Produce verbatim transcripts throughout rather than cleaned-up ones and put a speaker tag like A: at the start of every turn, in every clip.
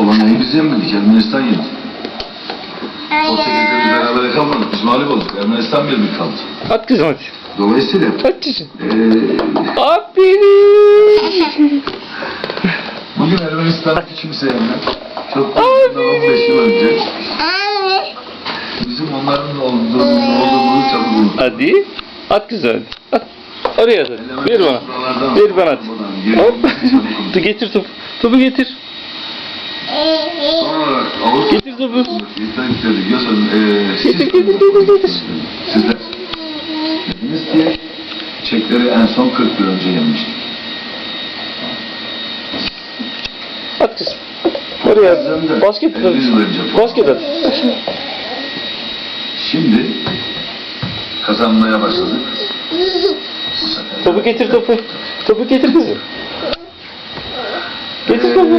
A: Polonya'yı biz yenmedik, Ermenistan yendi. O sekizde biz beraber kalmadık, biz mağlup olduk. Ermenistan bir bir kaldı.
B: At kızım hadi.
A: Dolayısıyla
B: At kızım.
A: Ee,
B: Aferin.
A: bugün Ermenistan'ı kimse yenmez. Çok bundan on beş yıl önce bizim onların olduğunu, olduğumuzu çabuk unuttuk.
B: Hadi. At kızım hadi. At. Oraya at. Ver bana. Ver bana at. Hop. Dur getir topu. Topu getir.
A: Son olarak Avrupa
B: Getir topu.
A: İnternet göz önü, eee, siz
B: Getir getir getir getir.
A: sizler dediniz ki Çekleri en son kırk yıl önce yenmiştik.
B: At kızım. Oraya at. Basket at.
A: elli yıl önce falan.
B: Basket at.
A: Şimdi kazanmaya başladık. Bu sefer
B: Topu getir topu. Topu getir kızım. Getir
A: Eee,
B: topu.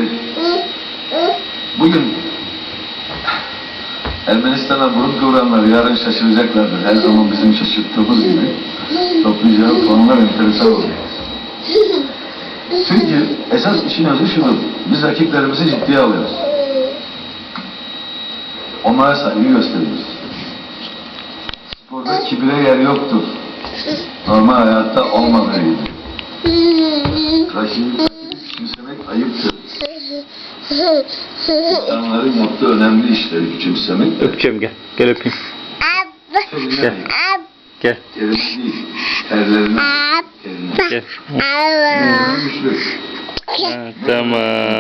A: Bugün Ermenistan'a burun kıvıranlar yarın şaşıracaklardır. Her zaman bizim şaşırttığımız gibi toplayacağımız konular enteresan olacak. Çünkü esas işin özü şudur. Biz rakiplerimizi ciddiye alıyoruz. Onlara saygı gösteriyoruz. Sporda kibire yer yoktur. Normal hayatta olmadığı gibi. Rakibi küçümsemek ayıptır. İnsanların yaptığı önemli işleri küçümsemek de
B: Öpeceğim gel. Gel öpeyim.
A: teline
B: Gel.
A: değil.
B: Gel.
A: Terine değil. Terlerine. Terine.
B: Gel.
A: Terine güçlü.
B: Ha, tamam.